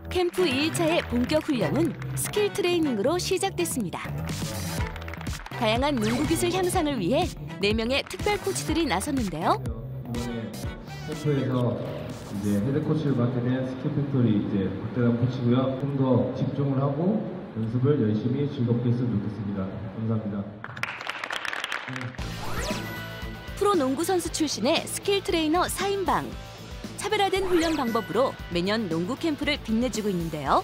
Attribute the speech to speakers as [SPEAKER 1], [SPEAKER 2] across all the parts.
[SPEAKER 1] 캠프 2일차의 본격 훈련은 스킬 트레이닝으로 시작됐습니다. 다양한 농구 기술 향상을 위해 4명의 특별 코치들이 나섰는데요.
[SPEAKER 2] 이번에 캠프에서 이제 헤드 코치를 맡게 된 스킬 팩토리 이제 박대남 코치고요. 좀 더 집중을 하고 연습을 열심히 즐겁게 했으면 좋겠습니다. 감사합니다.
[SPEAKER 1] 프로 농구 선수 출신의 스킬 트레이너 4인방. 차별화된 훈련 방법으로 매년 농구 캠프를 빛내주고 있는데요.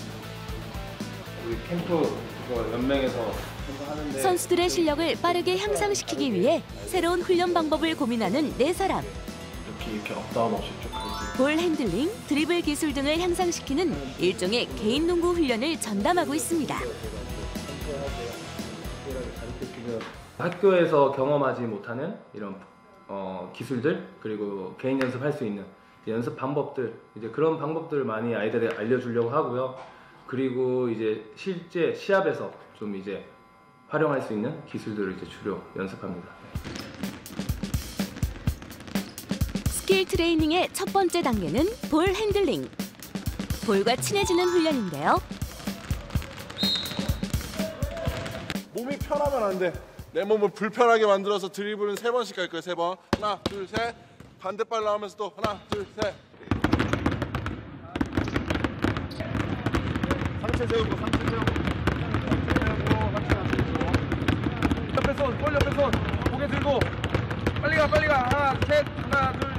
[SPEAKER 3] 우리 캠프 연맹에서 하는데
[SPEAKER 1] 선수들의 실력을 빠르게 향상시키기 위해 새로운 훈련 방법을 고민하는 4사람.
[SPEAKER 3] 이렇게 업다운 없이 쭉 할 수 있고
[SPEAKER 1] 볼 핸들링, 드리블 기술 등을 향상시키는 일종의 개인 농구 훈련을 전담하고 있습니다.
[SPEAKER 3] 학교에서 경험하지 못하는 이런 기술들 그리고 개인 연습할 수 있는 연습 방법들 이제 그런 방법들을 많이 아이들에 알려주려고 하고요. 그리고 이제 실제 시합에서 좀 이제 활용할 수 있는 기술들을 이제 주로 연습합니다.
[SPEAKER 1] 스킬 트레이닝의 첫 번째 단계는 볼 핸들링. 볼과 친해지는 훈련인데요.
[SPEAKER 4] 몸이 편하면 안 돼. 내 몸을 불편하게 만들어서 드리블은 3번씩 할 거야. 3번. 하나, 둘, 셋. 반대발로 하면서 또 하나, 둘, 셋. 상체 세우고, 상체 세우고. 옆에 손, 볼 옆에 손. 고개 들고. 빨리 가, 빨리 가. 하나, 셋. 하나, 둘,